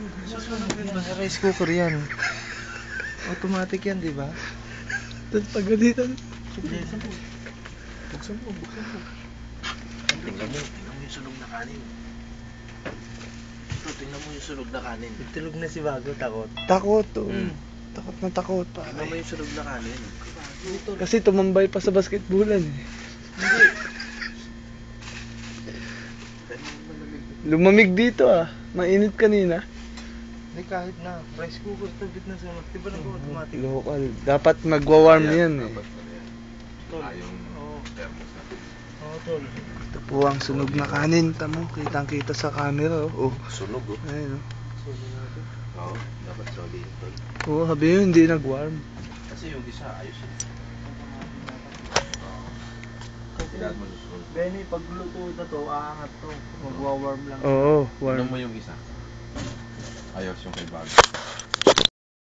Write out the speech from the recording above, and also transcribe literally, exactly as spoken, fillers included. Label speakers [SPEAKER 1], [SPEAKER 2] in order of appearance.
[SPEAKER 1] Susunod din ba sa rice cooker yan? Automatic yan, di ba?
[SPEAKER 2] Tapos pagalitan.
[SPEAKER 1] Buksan mo. Buksan mo, buksan mo. Tingnan mo, tingnan mo yung sunog na kanin. Ito, tingnan mo yung sunog na kanin. Itulog na si Bago, takot.
[SPEAKER 2] Takot, oh.
[SPEAKER 1] Hmm.
[SPEAKER 2] Takot na takot.
[SPEAKER 1] Tingnan mo yung sunog na kanin. Dito.
[SPEAKER 2] Kasi tumambay pa sa basketballan eh.
[SPEAKER 1] Hindi.
[SPEAKER 2] Lumamig dito ah. Mainit kanina.
[SPEAKER 1] Hindi, kahit na. Rice cooker, tagit na sa mga. Di ba nag-automatic?
[SPEAKER 2] Local. Dapat magwa-warm yan eh.
[SPEAKER 1] Tol. Oo. Oo, tol.
[SPEAKER 2] Ito po ang sunog na kanin. Tamo, kitang kita sa camera oh. Oh.
[SPEAKER 1] Sunog, oh.
[SPEAKER 2] Ayun oh.
[SPEAKER 1] Sunog natin. Oo, dapat solid, tol.
[SPEAKER 2] Oo, sabi yun, hindi nag-warm.
[SPEAKER 1] Kasi yung isa, ayos yun. Kailangan mo susunod. Benny, pag luto na to, aangat to. Magwa-warm lang.
[SPEAKER 2] Oo, warm.
[SPEAKER 3] Tignan mo yung isa. Ayos yung kay Bago.